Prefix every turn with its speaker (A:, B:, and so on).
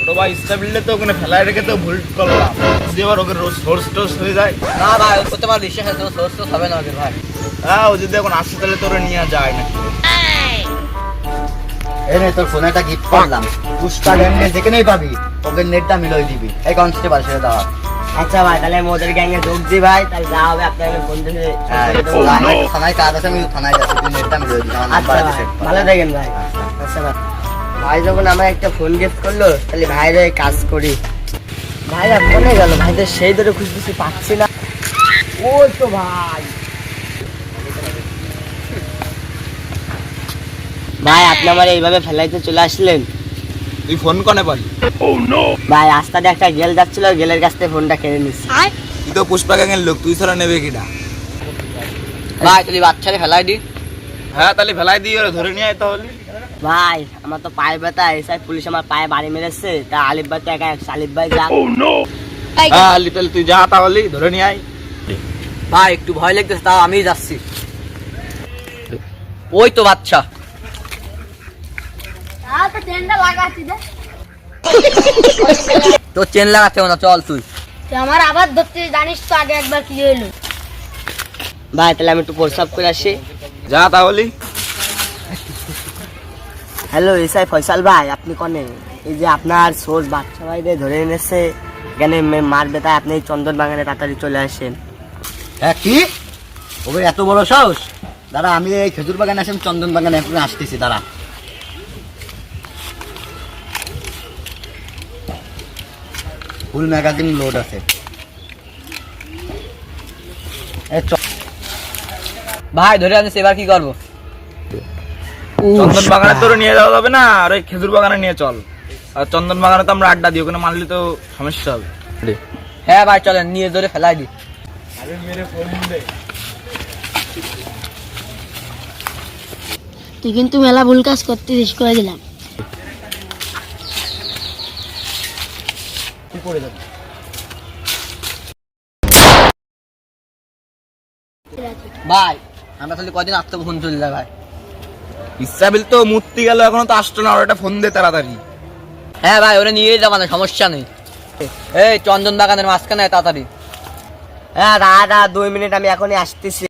A: ছোট ভাই স্টেবিলে তো ওখানে ফেলায় রেখে তো ভুল করলাম, যদি আবার ওকে সোর্স টোর্স হয়ে যায়।
B: না ভাই ও তোমার বিশ্বাস আছে, সোর্স তো হবে না ওদের ভাই।
A: হ্যাঁ, ও যদি এখন আসতে তাহলে তোরে নিয়ে যায় না।
C: এই নে তোর ফোনে একটা গিফট করলাম, পুষ্পা গ্যাংয়ে যেখানেই পাবি ওকে নেটটা মিলাই দিবি। এই কনস্টেবল সেটা দাও।
B: আচ্ছা ভাই, তাহলে আমি ওদের গ্যাংয়ে যোগ দিই ভাই, তাহলে যা হবে আপনাকে ফোন দিয়ে
C: থানায় কাজ আছে, আমি থানায় যাচ্ছি, তুই নেটটা মিলাই দিবি।
B: আচ্ছা ভাই, ভালো থাকেন ভাই। আচ্ছা ভাই, ভাই যখন আমার একটা ফোন গিফট করলো তাহলে ভাইরে কাজ করি। ভাইরা ফোনে গেল, ভাইদের সেই ধরে খুঁজতেছি পাচ্ছি না। ওই তো ভাই, ভাই আপনি আমার এইভাবে ফেলাইতে চলে আসলেন।
A: তুই ফোন কনে পারি?
B: ভাই রাস্তাতে একটা গেল যাচ্ছিল, গেলের কাছ থেকে ফোনটা কেড়ে নিচ্ছি।
A: তুই তো পুষ্পা গ্যাংয়ের লোক, তুই ছাড়া নেবে কিনা?
B: ভাই তুই বাচ্চারে ফেলাই দি।
A: হ্যাঁ, তাহলে ফেলাই দিয়ে ওরা ধরে নিয়ে আয় তাহলে।
B: ভাই আমার তো পায়ে ব্যথা, এসআই পুলিশ আমার পায়ে বাড়ি মেরেছে, তা আলিফ ভাই তো একা, আলিফ ভাই যা।
A: হ্যাঁ আলি, তাহলে তুই যা তাহলে ধরে নিয়ে আয়।
B: ভাই একটু ভয় লাগতেছে, তাও আমি যাচ্ছি। ওই তো বাচ্চা। তোর চেন লাগাতে হবে না, চল তুই।
D: আমার আবার ধরতে জানিস তো, আগে একবার কি হলো।
B: ভাই তাহলে আমি একটু প্রস্রাব করে আসি।
A: যা তাহলে।
B: হ্যালো এসআই ফয়সাল ভাই, আপনি কনে? এই যে আপনার সোর্স বাচ্চা ভাইদের ধরে এনেছে, এখানে মারবে, তাই আপনি এই চন্দন বাগানে তাড়াতাড়ি চলে আসেন।
C: হ্যাঁ কি ওকে এত বড় সাহস? দাঁড়া, আমি এই খেজুর বাগানে আসি, চন্দন বাগানে এখন আসতেছি, দাঁড়া। ফুল ম্যাগাজিন লোড আছে।
B: ভাই ধরে আনিস, এবার কি করবো?
A: চন্দন বাগানে তোর নিয়ে যাওয়া যাবে না, আর ওই খেজুর বাগানে নিয়ে চল। আর চন্দন বাগানে তো আমরা আড্ডা দিই, ওখানে মারলে তো সমস্যা হবে।
B: হ্যাঁ ভাই চলেন, নিয়ে ধরে ফেলাই দি।
D: তুই কিন্তু মেলা ভুল কাজ করতে শেষ করে দিলাম।
B: ভাই আমরা তাহলে কদিন আত্মগ্রহণ চলে ভাই।
A: ইসরাবিল তো মূর্তি গেল, এখনো তো আসতো না, ওর একটা ফোন দে তাড়াতাড়ি।
B: হ্যাঁ ভাই ওরা নিয়ে যাবো না, সমস্যা নেই। এই চন্দন বাগানের মাঝখানে তাড়াতাড়ি। হ্যাঁ দাদা 2 মিনিট, আমি এখনই আসতেছি।